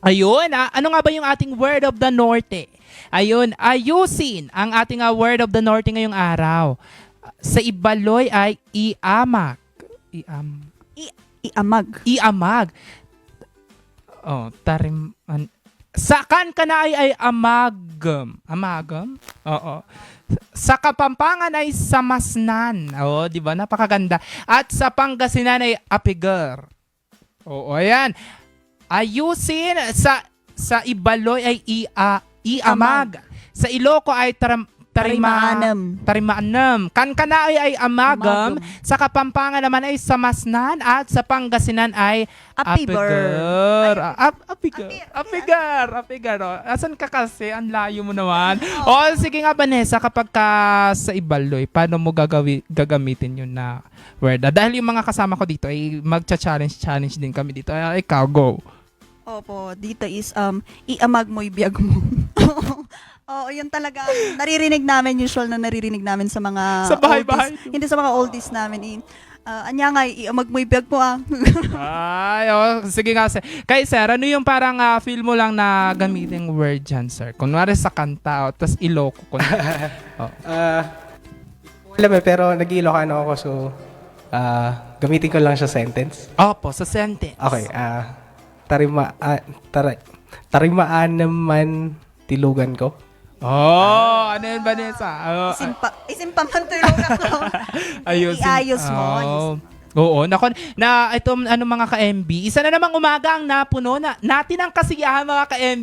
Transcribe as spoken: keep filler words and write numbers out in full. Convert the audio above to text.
Ayun, ah, ano nga ba yung ating word of the Norte? Ayun, ayusin ang ating ah, word of the Norte ngayong araw. Sa Ibaloy ay iamak. Iam, I iamag. iamag. Oh, tarim... An, sa kan ka na ay, ay amagam. Amagam? Oo. Sa Kapampangan ay samasnan. Oo, di ba? Napakaganda. At sa Pangasinan ay apigar. Oo, ayan. Ayusin sa sa Ibaloy ay ia, iamag. Sa Iloco ay taram, tarima, Tarimaanam. tarimaanam. Kankanaay ay amagam. Amagam. Sa Kapampangan naman ay samasnan. At sa Pangasinan ay Apigar. apigar. Ap, apigar. Apigar. Apigar. Oh. Asan ka kasi? Ang layo mo naman. O, oh, sige nga Vanessa, kapag ka sa Ibaloy, paano mo gagawi, gagamitin yun na word? Ah, dahil yung mga kasama ko dito ay magcha-challenge challenge din kami dito. Ay, ikaw, go. Opo, dito is um iamag mo ibiyag mo. Oo, yun talaga ang naririnig namin, usual na naririnig namin sa mga Sa bahay-bahay. oldies. Hindi sa mga oldies namin. Eh. Uh, anya nga, iamag mo ibiyag mo ah. Ay, oh, sige nga sir. Kay sir, ano yung parang ah, feel mo lang na gamitin word dyan, sir? Kunwari sa kanta, oh, tas iloko. Kunwari. Oh. Ah, alam eh, pero nag-Ilocano ako, so ah, gamitin ko lang siya sentence. Opo, sa sentence. Okay, ah, tarima, ah, tara, tarimaan naman tilugan ko. Oh, ano yun, Vanessa? Oh, Isimpa, isimpa man tulong ako. ayusin. Iayos mo. Oh. ayos. Oo, nako, na ito ano mga ka-M B, isa na namang umaga ang napuno na natin ang kasiyahan mga ka-M B.